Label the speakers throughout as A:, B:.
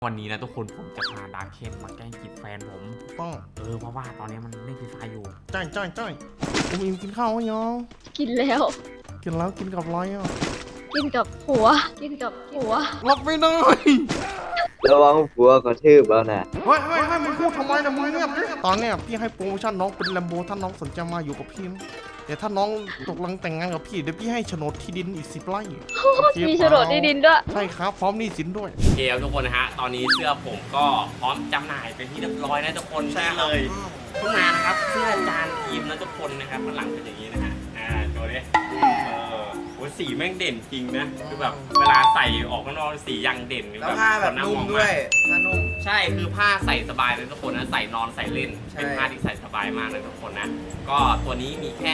A: วันนี้นะทุกคนผมจะพาดาร์คเคนมาแกล้งจีบแฟนผม
B: ต้อง
A: เพราะว่าตอนนี้มันเล่นฟรีไฟอยู่
B: จ้อยผมอิมกินข้าวยัง
C: กินแล้ว
B: กินแล้วกินกับอะไรอ่ะ
C: กินกับหัว
B: รับไม่ได้
D: ระวังผัวกระทืบแล้วนะ
B: เฮ้ยมึงพูดทำไมนะมึงเงียบดิตอนเนี้ยพี่ให้โปรโมชั่นน้องเป็นแลมโบถ้าน้องสนใจมาอยู่กับพี่นะแต่ถ้าน้องตกลงแต่งงานกับพี่เดี๋ยวพี่ให้โฉนดที่ดินอีก10 ไร่
C: มีโฉนดที่ดินด้วย
B: ใช่ครับพร้อมหนี้สินด้วย
A: เกลทุกคนนะฮะตอนนี้เสื้อผมก็พร้อมจำหน่ายเป็นที่เรียบร้อยนะทุกคนใช่เลยเพิ่งมานะครับเสื้อจานทีมนะทุกคนนะครับข้างหลังเป็นอย่างนี้นะฮะโชว์ดิโอ้สีแม่งเด่นจริงนะคือแบบเวลาใส่ออกข้างนอกสียังเด่น
D: แล้วผ้าแบบนุ่มด้วยผ้านุ่ม
A: ใช่คือผ้าใส่สบายเลยทุกคนนะใส่นอนใส่เล่นเป็นผ้าที่ใส่สบายมากเลยทุกคนนะก็ตัวนี้มีแค่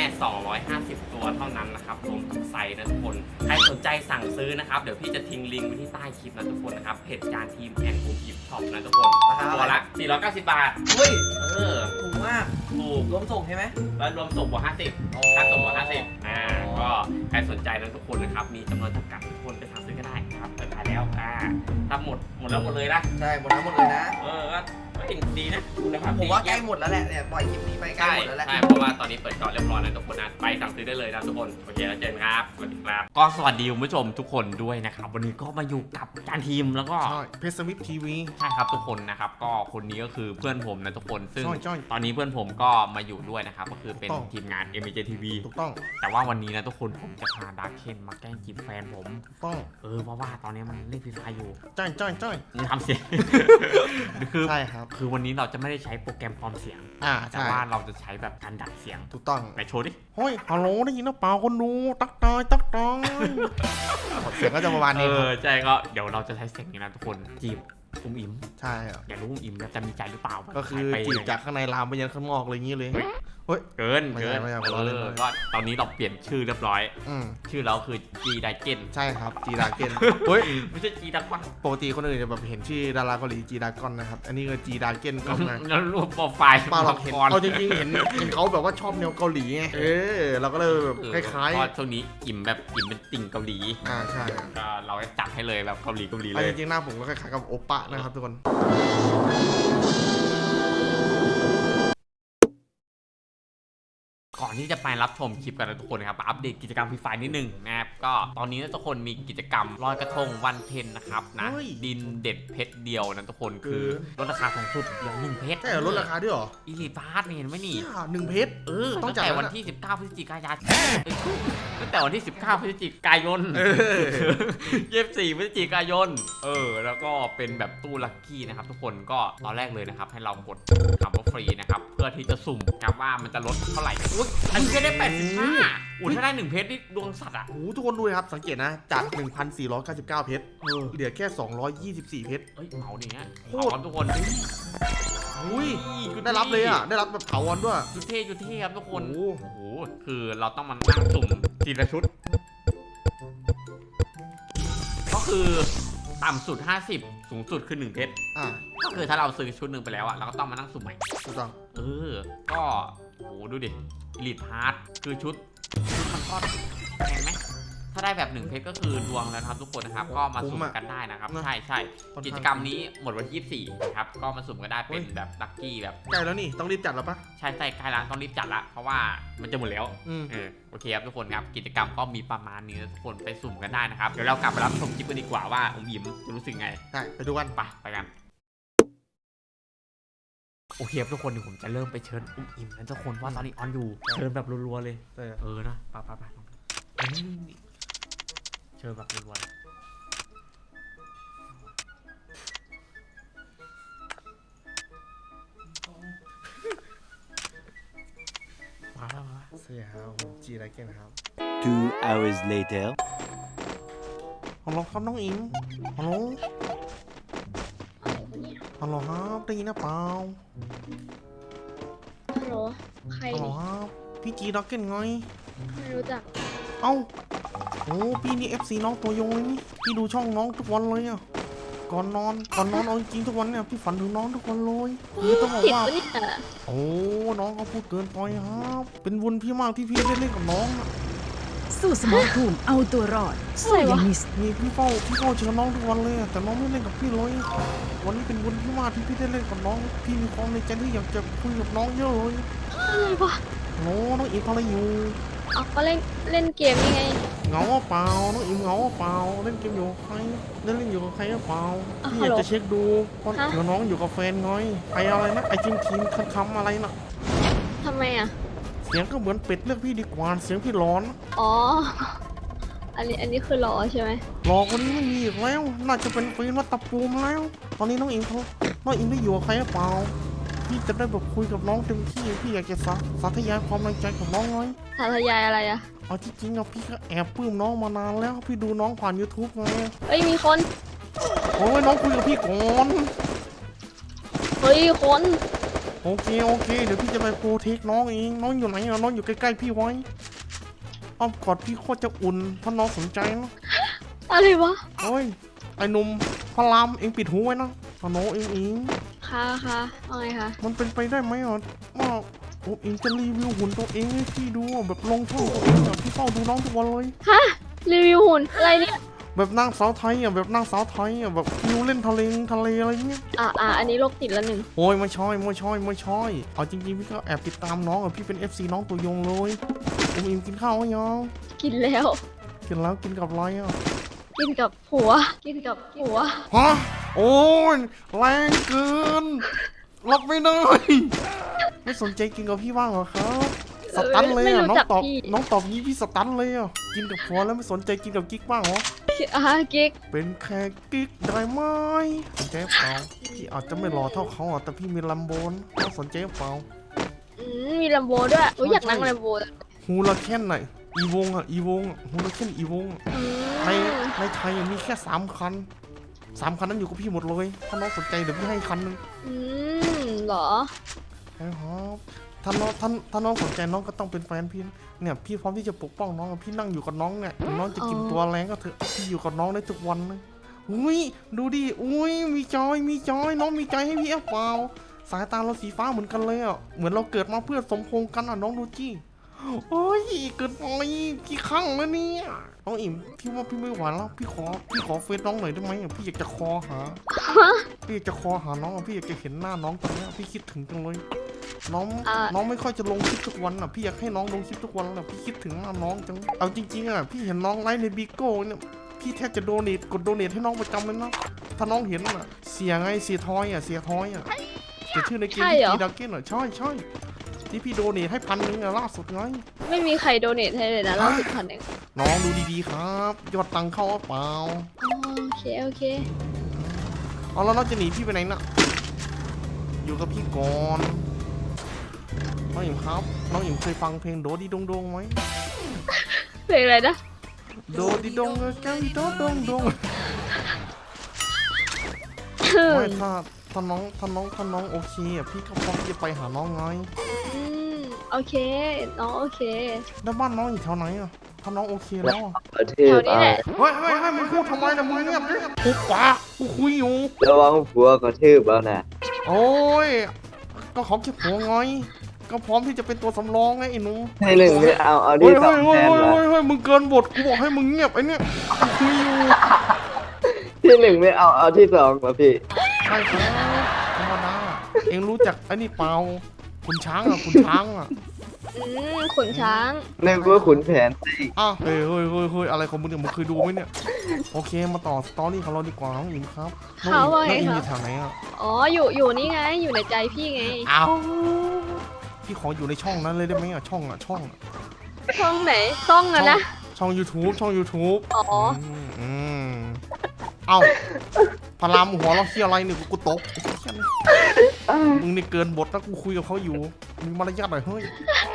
A: 250ตัวเท่านั้นนะครับรวมกับไซส์นะทุกคนใครสนใจสั่งซื้อนะครับเดี๋ยวพี่จะทิ้งลิงก์ไว้ที่ใต้คลิปนะทุกคนนะครับเพจจานทีมแอนด์กูกิฟช็อปนะทุกคนตัวละ490 บาท
D: เฮ้ย
A: ถู
D: กมาก
A: ถูก
D: รวมส่งใช่ไหม
A: แล้วรวมส่งบวก50ค่าส่งบวก50ก็ใครสนใจนะทุกคนนะครับมีจำนวนจำกัดทุกคนไปสั่งซื้อก็ได้ครับเปิดขายแล้วถ้าหมดแล้วหมดเลยนะ
D: ใช่หมดเลยนะ
A: ก็เห็นดีนะคุณภาพ
D: ผมว่าใกล้หมดแล้วแหละเนี่ยปล่อยคลิปนี้ไปใกล้หมดแล้วแหละ
A: ใช่เพราะว่าตอนนี้เปิดจอเรียบร้อยแล้วทุกคนนะไปสั่งซื้อได้เลยนะทุกคนโอเคแล้วเจอกันครับสวัสดีครับก็สวัสดีคุณผู้ชมทุกคนด้วยนะครับวันนี้ก็มาอยู่กับจานทีมแล้วก็
B: เพชรสวิฟทีวี
A: ใช่ครับทุกคนนะครับก็คนนี้ก็คือเพื่อนผมนะทุกคนซึ่งตอนนี้เพื่อนผมก็มาอยู่ด้วยนะครับก็คือเป็นทีมงาน MJTV
B: ถูกต้อง
A: แต่ว่าวันนี้นะทุกคนผมจะพาดาร์คเคนมาแกล้งจีบแฟนผม
B: ต้อง
A: เพราะว่าตอนนี้มันเล่นฟรีไฟอยู่
B: จ้อย
A: ทำเสียงคือ
B: ใช่ครับ
A: คือวันนี้เราจะไม่ได้ใช้โปรแกรมปลอมเสียงแต่ว่าเราจะใช้แบบการดัดเสียง
B: ถูกต้อง
A: ไหนโชว์ดิ
B: เฮ้ยฮัลโหลได้ยินหรือเปล่าคนดูตักตายเสียงก็จะประมาณนี้
A: ใช่ก็เดี๋ยวเราจะใช้เสียงนี้นะทุกคนจีบอุ้มอิ่ม
B: ใช่
A: อยากรู้อุ้มอิ่มจะมีใจหรือเปล่า
B: ก็คือจีบจากข้างในลามไปยันข้างนอกอะไรอย่างนี้เลย
A: เฮ้ยเกินก็ตอนนี้เราเปลี่ยนชื่อเรียบร้อยชื่อเราคือจีไดเกน
B: ใช่ครับจีดาเกนเฮ้ย
A: ไม่ใช่จีดากอน
B: ปกติคนอื่นจะแบบเห็นชื่อดาราเกาหลีจีดากอนนะครับอันนี้คือจีดาเกนก็ไง
A: แล้วรูปโปรไฟล์
B: ป้าเราเห็นเอาจริงๆเห็นเขาแบบว่าชอบแนวเกาหลีไงเราก็เลยแบบคล้าย
A: ๆช่วงนี้อิ่มแบบอิ่มเป็นติ่งเกาหลี
B: ใช่
A: ก็เราจะจัดให้เลยแบบเกาหลีเลย
B: จริงๆหน้าผมก็คล้ายๆกับโอปะนะครับทุกคน
A: ก่อนที่จะไปรับชมคลิปกันนะทุกคนนะครับอัปเดตกิจกรรมฟรีไฟนิดนึงนะครับก็ตอนนี้ทุกคนมีกิจกรรมลอยกระทงวันเพ็ญนะครับนะดินเด็ดเพชรเดียวนะทุกคนคือลดราคาสูงสุดอย่าง1 เพชร
B: ใช่ลดราคาด้วยหรอ
A: อีลิทพาร์ทนี่เห็นไหมนี่
B: 1 เพชร
A: ตั้งแต่วันที่19 พฤศจิกายนตั้งแต่วันที่19 พฤศจิกายน24 พฤศจิกายนแล้วก็เป็นแบบตู้ลัคกี้นะครับทุกคนก็ตอนแรกเลยนะครับให้เรากดคำว่าฟรีนะครับเพื่อที่จะสุ่มครับว่ามันจะลดเท่าไหร่อันนี้ได้85ถ้าได้1 เพชรนี่ดวงสัตว์
B: ทุกคนดูเลยครับสังเกตนะจาก 1,499 เพชรเหลือแค่224 เพชร
A: เหมาเนี่ยโคตรทุกคน
B: ได้รับเลยได้รับแบบเถาวันด้วย
A: จุดเท่ครับทุกคนโอ้โหคือเราต้องมานั่งสุ่มทีละชุดก็คือต่ำสุด50สูงสุดคือ1 เพชรก็คือถ้าเราซื้อชุดหนึ่งไปแล้วเราก็ต้องมานั่งสุ่มใหม่
B: ถูกต้อง
A: ก็โอ้ดูดิลีดพาร์ทคือชุดมันก็แพงไหมถ้าได้แบบ1 เพชรก็คือดวงแล้วครับทุกคนนะครับก็มาสุ่มกันได้นะครับใช่กิจกรรมนี้หมดวันที่24นะครับก็มาสุ่มกันได้เป็นแบบลัคกี้แบบ
B: ใกล้แล้วนี่ต้องรีบจัดแล้วปะ
A: ใช่ใกล้แล้วต้องรีบจัดละเพราะว่ามันจะหมดแล้วโอเคครับทุกคนครับกิจกรรมก็มีประมาณนี้ทุกคนไปสุ่มกันได้นะครับเดี๋ยวเรากลับไปรับชมคลิปกันดีกว่าว่าอมยิ้มจะรู้สึกไง
B: ไปดูกัน
A: ไปกันโอเคทุกคนเดี๋ยวผมจะเริ่มไปเชิญอุ้มอิ่มนะทุกคนว่าตอนนี้ออนอยู่เชิญแบบรัวๆเลยนะไปเชิญแบบรัวๆเลยมา
B: เสียครับผมจีไรเก่งครับ
E: 2 hours later
B: ฮัลโหลครับน้องอิมฮัลโหลครับได้ยินหรือเปล่า
C: ฮัลโหลใคร
B: ฮัลโหลครับพี่จีด็อกเก็ตไง
C: ไม่รู้จัก
B: พี่นี่ FC น้องตัวยงเลยนี่พี่ดูช่องน้องทุกวันเลยก่อนนอนเอาจริงทุกวันเนี่ยพี่ฝันถึงน้องทุกวันเลยคือต้องบอกว่าน้องก็พูดเกินไปครับเป็นบุญพี่มากที่พี่ได้เล่นกับน้อง
F: สู้สมองภูมิเอาตัวรอดสู้อย่างนี้
B: พี่เฝ้าเชิญน้องทุกวันเลยแต่น้องไม่เล่นกับพี่เลยวันนี้เป็นวันที่มากที่พี่ได้เล่นกับน้องพี่มีความในใจที่อยากจะคุยกับน้องเยอะเลย
C: อะไรวะ
B: โน้น้องอิมทำอะไรอยู่
C: เอาก็เล่นเกมยังไง
B: เหงาเปล่าน้องอิมเหงาเปล่าเล่นเกมอยู่กับใครเล่นอยู่กับใครหรือเปล่าพี่อยากจะเช็คดูเพราะเดี๋ยวน้องอยู่กับแฟนน้อยไออะไรนะไอทีมคำอะไรน่ะ
C: ทำไมอ่ะ
B: เสียงก็เหมือนเป็ดเลือกพี่ดีกว่าเสียงพี่ร้อน
C: อ๋อ อันนี้คือรอใช่ไหม
B: รอคนนี้ไม่มีอีกแล้วน่าจะเป็นฟีนวัตตะปูมแล้ว ตอนนี้น้องอิมได้อยู่กับใครหรือเปล่าพี่จะได้แบบคุยกับน้องเต็มที่พี่อยากจะสาธยายความในใจกับน้องน้อย
C: สาธยายอะไรอ่ะ
B: เอาที่จริงอะพี่ก็แอบปลื้มน้องมานานแล้วพี่ดูน้องผ่าน YouTube ไง
C: เฮ้ยมีคน
B: โอ้ยน้องคุยกับพี่ก่อน
C: เฮ้ยคน
B: โอเคเดี๋ยวพี่จะไปโปรเทคน้องเองน้องอยู่ไหนอะน้องอยู่ใกล้ๆพี่ไว้อ้อมกอดพี่โคตรจะอุ่นถ้าน้องสนใจนะ
C: อะไรวะ
B: โอ้ยไอ้หนุ่มพลามเองปิดหูไว้นะตาโนเอง
C: ค่ะว่าไงคะ
B: มันเป็นไปได้ไหมอ่ะว่าโอ้เองจะรีวิวหุ่นตัวเองให้พี่ดูอะแบบลงช่องตัวเองอ่ะพี่เฝ้าดูน้องทุกวันเลย
C: ฮะ รีวิวหุ่นอะไรเนี่ย
B: แบบนางสาวไทยอ่ะแบบนางสาวไทยอ่ะแบบฟิวเล่นทะเลอะไรเงี้ย
C: อันนี้โรคติดละหนึ่ง
B: โอ้ยไม่ใช่เอาจริงๆพี่ก็แอบติดตามน้องอ่ะพี่เป็น FC น้องตัวยงเลยผมอิมกินข้าวไหมยัง
C: กินแล้ว
B: กินแล้วกินกับอะไรอ่ะ
C: กินกับผัว
B: ฮะโอ้ยแรงเกินรับไม่ได้ไม่สนใจกินกับพี่บ้างเหรอครับสตันเลยอ่ะน้องตอบงี้พี่สตันเลยอ่ะกินกับผัวแล้วไม่สนใจกินกับกิ๊กบ้างเหรอ
C: กิ๊ก
B: เป็นแค่กิ๊กได้ไหมสนใจเปล่าพี่อาจจะไม่หล่อเท่าเขาอ่ะแต่พี่มีลัมโบนต้องสนใจเปล่า
C: มีลัมโบด้วยอุ๊ยอยากนั่งลัมโบเลย
B: ฮูลาเคนไหนอีวงฮูลาเคนอีวงในไทยมีแค่3 คันนั้นอยู่กับพี่หมดเลยถ้าน้องสนใจเดี๋ยวพี่ให้คันนึง
C: เหรอ
B: ใช่ครับถ้าน้องสนใจน้องก็ต้องเป็นแฟนพี่เนี่ยพี่พร้อมที่จะปกป้องน้องพี่นั่งอยู่กับน้องเนี่ยน้องจะกินตัวแรงก็เถอะพี่อยู่กับน้องได้ทุกวันเลยอุ้ยดูดิอุ้ยมีจอยน้องมีใจให้พี่เปล่าสายตาเราสีฟ้าเหมือนกันเลยอ่ะเหมือนเราเกิดมาเพื่อสมพงษ์กันอ่ะน้องดูจี้โอ้ยเกิดไปพี่ข้างแล้วเนี่ยน้องอิ่มพี่ว่าพี่ไม่ไหวแล้วพี่ขอเฟซน้องหน่อยได้ไหมพี่อยากจะคอหาพี่อยากจะคอหาน้องพี่อยากจะเห็นหน้าน้องตอนนี้พี่คิดถึงจังเลยน้องไม่ค่อยจะลงคลิปทุกวันอ่ะพี่อยากให้น้องลงคลิปทุกวันแหละพี่คิดถึงหน้าน้องจังเอาจริงๆอ่ะพี่เห็นน้องไลฟ์ในบิโก้เนี่ยพี่แทบจะกดโดเนทให้น้องประจำเลยนะถ้าน้องเห็นอ่ะเสียทอยอ่ะเดี๋ยวชื่อในเกมที่ดักเก้นอ่ะใช่ที่พี่โดเนทให้1,000อ่ะล่าสุดไง
C: ไม่มีใครโดเนทให้เลยนะเรา10,000เอง
B: น้องดูดีๆครับยอดตังค์เข้าเปล่า
C: โอเค
B: เอาแล้วน้องจะหนีพี่ไปไหนน่ะอยู่กับพี่ก่อนน้องหญิงครับน้องหญิงเคยฟังเพลงโดดีดงไหม
C: เพลงอะไรนะ
B: โดดีดงแก้วโดดงไม่ถ้าน้องโอเคอ่ะพี่ก็พร้อมที่จะไปหาน้องไง
C: โอเค น้องโอเค
B: แล้วบ้านน้องอยู่แถวไหนอ่ะถ้าน้องโอเคแล้วอ่ะ
C: แถวนี้แหละ
B: เฮ้ยมึงพูดทำไมนะมึงเงียบดิปุ๊บปะกูคุยอยู่
G: ระวังผัวกระทืบเอานะ
B: โอ้ยก็เขาแค่ผัวไงก็พร้อมที่จะเป็นตัวสำรองไงไอ้หนู
G: ให้หนึ่งไม่เอา
B: เฮ้
G: ที่
B: ย
G: สองแทนละ
B: เฮ้ยมึงเกินบทกูบอกให้มึงเงียบไอ้เนี่ยกูคุยอยู่
G: ที่หนึ่งไม่เอาที่สองมาพี่
B: ใช่ครับธรรมดาเอ็งรู้จักไอ้นี่เปล่าขุนช้างอ่ะ
C: ขุนช้าง
G: นึกว่าขุนแผนสิ
B: อ้าวเฮ้ยอะไรของมึงเนี่ยมึงเคยดูไหมเนี่ยโอเคมาต่อสตอรี่ของเราดีกว่าน้องอิมครับน้องอิมอยู่แถวไหนอ่ะ
C: อ๋อ อยู่นี่ไง อยู่ในใจพี่ไง
B: อ้าวพี่ขออยู่ในช่องนั้นเลยได้ไหมอ่ะช่อง
C: ช่องไหน ช่องอะนะ
B: ช่อง YouTube
C: อ๋อ
B: เอ้าพารามหัวเราเคี้ยอะไรเนี่ยกูตกมึงนี่เกินบทนะกูคุยกับเขาอยู่มีมารยาทหน่อยเฮ้ย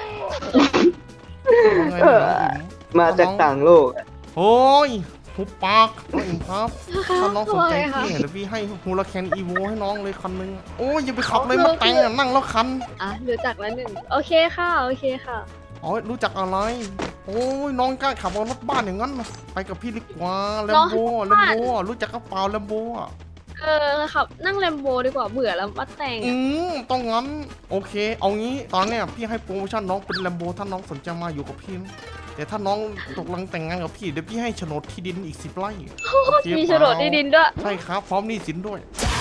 B: ไงน้องอิม
G: มาจากต่างโลก
B: โอ้ยหุบปากน้องอิมครับถ้าน้องสนใจพี่เดี๋ยวพี่ให้ฮูลาแคนอีโวให้น้องเลยคันนึงโอ้ยอย่าไปขับเลยมาแต่งอ่ะนั่งแล้วคัน
C: รู้จักแล้วหนึ่ง โอเคค่ะ
B: อ๋อรู้จักอะไรโอ้ยน้องกล้าขับรถบ้านอย่างนั้นไปกับพี่ดีกว่าแลมโบรู้จักกระเป๋าแลมโบอ่ะ
C: ขับนั่งแลมโบดีกว่าเบื่อแล้วมาแต่ง
B: ต้องงั้นโอเคเอางี้ตอนเนี้ยพี่ให้โปรโมชั่นน้องเป็นแลมโบถ้าน้องสนใจมาอยู่กับพี่นะแต่ถ้าน้องตกลงแต่งงานกับพี่เดี๋ยวพี่ให้โฉนดที่ดินอีก10 ไร่
C: มีโฉนดที่ดินด้วย
B: ใช่ครับพร้อมหนี้สินด้วย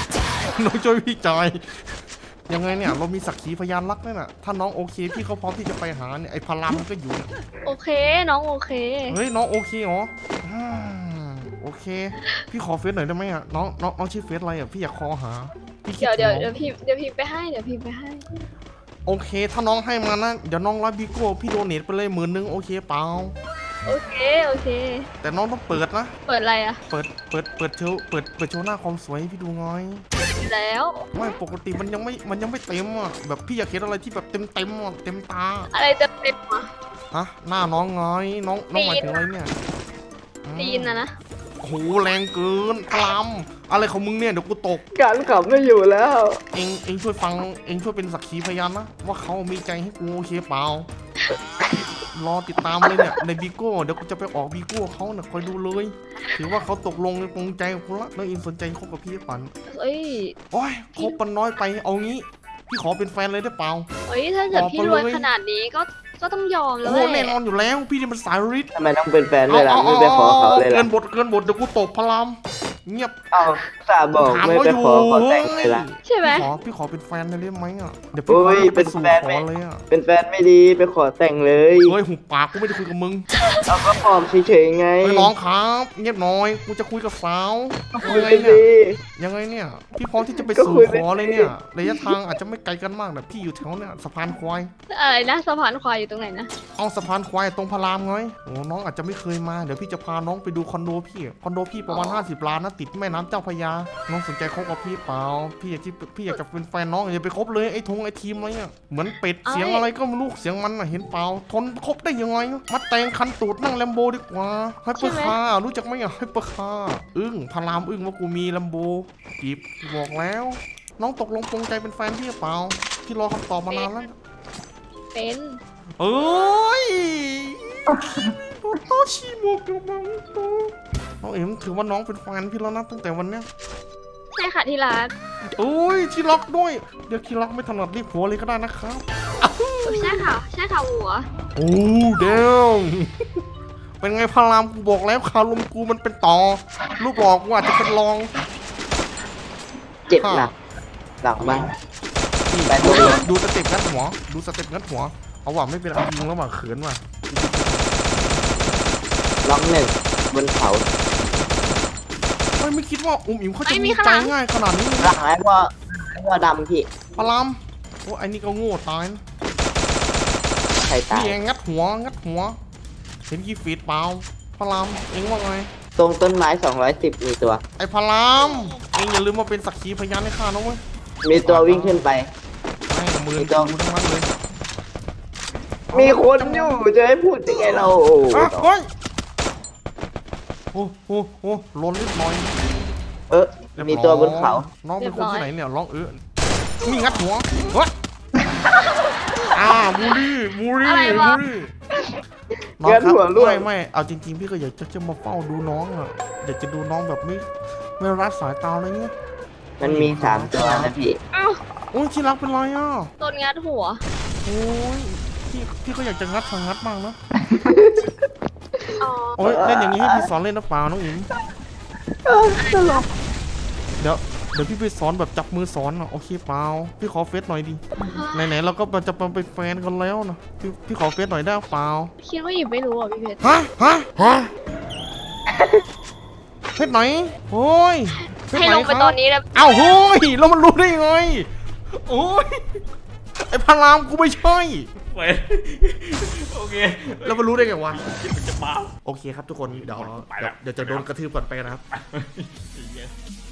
B: น้องช่วยพี่จอยยังไงเนี่ยเรามีสักขีพยานรักนั่นน่ะถ้าน้องโอเคพี่เขาพร้อมที่จะไปหาเนี่ยไอ้พลามมันก็อยู่เนี่ย
C: โอเคน้องโอเค
B: เฮ้ยน้องโอเคเหรอโอเคพี่ขอเฟซหน่อยได้ไหมอ่ะน้องชื่อเฟซอะไรอ่ะพี่อยากคอหาพี่คิ
C: เดี๋ยว
B: ถึง
C: เดี๋ยว
B: น้อง
C: พี่ไปให้เดี๋ยวพี่ไปให้
B: โอเคถ้าน้องให้มานะเดี๋ยวน้องรับบิโก้พี่โดเนทไปเลย10,000โอเคเปล่า
C: โอเคโอเค
B: แต่น้องต้องเปิดนะ
C: เปิดอะไรอะ
B: เปิดโชว์หน้าความสวยให้พี่ดูหน่อย
C: แล้ว
B: ไม่ปกติมันยังไม่เต็มอ่ะแบบพี่อยากเห็นอะไรที่แบบเต็มอ่ะเต็มตา
C: อะไรจะเป็นวะ
B: ฮะหน้าน้องไงน้องหมายถึงอะไรเนี่ย
C: ตีนนะ
B: โอ้โหแรงเกินพลัมอะไรของมึงเนี่ยเดี๋ยวกูตก
G: การขับไม่อยู่แล้ว
B: เองช่วยฟังเองช่วยเป็นสักขีพยานนะว่าเขามีใจให้กูโอเคเปล่า รอติดตามเลยเนี่ยในบิโก้เดี๋ยวกูจะไปออกบิโก้เขาเนี่ยคอยดูเลยถือว่าเขาตกลงในปรงใจกับกูละแล้วเองสนใจคบกับพี่ปัน
C: เอ้ย
B: โอ้ยคบปันน้อยไปเอางี้พี่ขอเป็นแฟนเลยได้เปล่า
C: เอ้ยถ้าเกิด
B: บอก
C: พี่
B: ไป
C: รวย
B: เลย
C: ขนาดนี้ก็ต้องยอมแล้
B: โอ้
C: ว
B: โห
C: แห
B: แน่
C: ละ
B: นอนอยู่แล้วพี่นี่มันสายฤทธิ์
G: ทำไมต้องเป็นแฟนด้วยล่ะไม่ไปขอเขาเลย
B: เกิ
G: ล่ะ
B: นบทเดี๋ยวกูตกพลัมเงียบ
G: เอาสาบอก
B: ถาม
G: ไม่
B: เขา
G: ไป
B: อยู่
G: ขอแต่งเลยล่ะ
C: ใช่ไหม
B: พี่ขอเป็นแฟนได้ไหมอ่ะเดี๋ยว
G: โอ้
B: พี่
G: ย
B: ไปสู่
G: เป็นแฟน
B: ข
G: ไหม
B: อเลยอ่ะ
G: เป็นแฟนไม่ดีไปขอแต่งเลย
B: เฮ้ยหุบปากกูไม่ได้คุยกับมึง
G: เอาก็ปลอมเฉยๆไง
B: เฮ้ยน้องครับเงียบหน่อยกูจะคุยกับสาว
G: คุย
B: ยังไง
G: ไป
B: เนี่ย
G: สิ
B: ยังไงเนี่ยพี่พร้อมที่จะไป
G: ก็
B: สู่
G: คุย
B: ข
G: ไป
B: อเลยเนี่ยระยะทางอาจจะไม่ไกลกันมากแต่พี่อยู่แถวเนี่ยสะพานควาย
C: อะไรนะสะพานควายอยู่ตรงไหนนะ
B: เอาสะพานควายตรงพารามไงโอ้น้องอาจจะไม่เคยมาเดี๋ยวพี่จะพาน้องไปดูคอนโดพี่ประมาณ50 ล้านนะติดแม่น้ำเจ้าพระยาน้องสนใจคบกับพี่เปล่าพี่อยากจะเป็นแฟนน้องอย่าไปคบเลยไอ้ทีมอะไรเนี่ยเหมือนเป็ดเสียงอะไรก็ไม่รู้เสียงมันอะเห็นเปล่าทนคบได้ยังไงมาแต่งคันตูดนั่งแลมโบดีกว่าให้เปอร์คาร์รู้จักไหมอะให้เปอร์คาร์พารามว่ากูมีแลมโบจีบบอกแล้ว น้องตกลงปรงใจเป็นแฟนพี่หรือเปล่าพี่รอคำตอบมานานแล้ว
C: เป็น
B: เอ้ยโตชิโมกะมังโตน้องเอ็มถือว่าน้องเป็นแฟนพี่แล้วนะตั้งแต่วันเนี้ย
C: ใช่ค่ะที่รัก
B: โอ้ยที่รักด้วยเดี๋ยวที่รักไม่ถนัดเรียกผัวเลยก็ได้นะครับ
C: ใช่ค่ะหัว
B: โอ้เดมเป็นไงพารามกูบอกแล้วคารมกูมันเป็นต่อรูปหลอกกูอาจจะเป็นรอง
G: เจ็บหนักหลังบ้าง
B: นี่
G: ไปตัวเอง
B: ดูสเต็ปงัดหัวเอาว่ะไม่เป็นอะไรจริงแล้วว่ะเขินว่ะ
G: ล็อกหนึ่งบนเขา
B: ไม่คิดว่าอิ๋มเขาจะมีใจง่ายขนาดนี้
G: หลังไอ้พ่อดำพี่
B: พารามโอ้ไอ้นี่ก็โง่ตายนะ
G: ใครตาย
B: นี่เองงัดหัวเห็นกี่ฟีดเปล่าพารามเองว่าไง
G: ตรงต้นไม้210มีตัว
B: ไอ้พารามเองอย่าลืมมาเป็นสักขีพยานให้ข้านะเว้ย
G: มีตัววิ่งขึ้นไป
B: แม่งมือ
G: ไม่ต้อง
B: กูทั้งนั้นเลย
G: มีคนอยู่จะให้พูดยังไงเรา
B: อ่ะเฮ้ยโอ้ล้นนิดหน่อย
G: เออมีตัวบนเขา
B: น้องเป็นคนที่ไหนเนี่ยร้องมีงัดหัวเฮ้ยบูลลี่น้องครับไม่เอาจริงๆพี่ก็อยากจะมาเฝ้าดูน้องอ่ะอยากจะดูน้องแบบไม่รัดสายตาอะไรเงี้ย
G: มันมี3ตัวนะพี่
C: อ้าว
B: โอ้ยที่รักเป็นไรอ่ะ
C: โดนงัดหัว
B: โอ้ยพี่ก็อยากจะงัดบ้างนะ
C: อ๋อ
B: โอ้ยเล่นอย่างนี้ให้พี่สอนเล่นนะเปล่าน้องอิ๋มเดี๋ยวพี่ไปสอนแบบจับมือสอนอ่ะโอเคเปล่าพี่ขอเฟซหน่อยดิไหนๆเราก็จะมาเป็นแฟนกันแล้วนะพี่ขอเฟซหน่อยได้เปล่า
C: คิดว่าหยิบไม่รู้อ่ะพี่เพชร
B: ฮะเฟซไหนโอ้ยเฟซ
C: ให้
B: ไหน
C: ลง
B: ค
C: ไป
B: รับ
C: ตอนนี้แล้ว
B: อ้าวโอ้ยแล้วมันรู้ได้ยังไงโอ้ยไอ้พารามกูไม่ใช่
A: ไปโอเค
B: แล้วมันรู้ได้ไงวะ
A: คิดมันจะมา
B: โอเคครับทุกคนเดี๋ยว
A: ไปแล้ว
B: จะโดนกระทืบก่อนไปนะครับ
A: ไอ้เหี้ย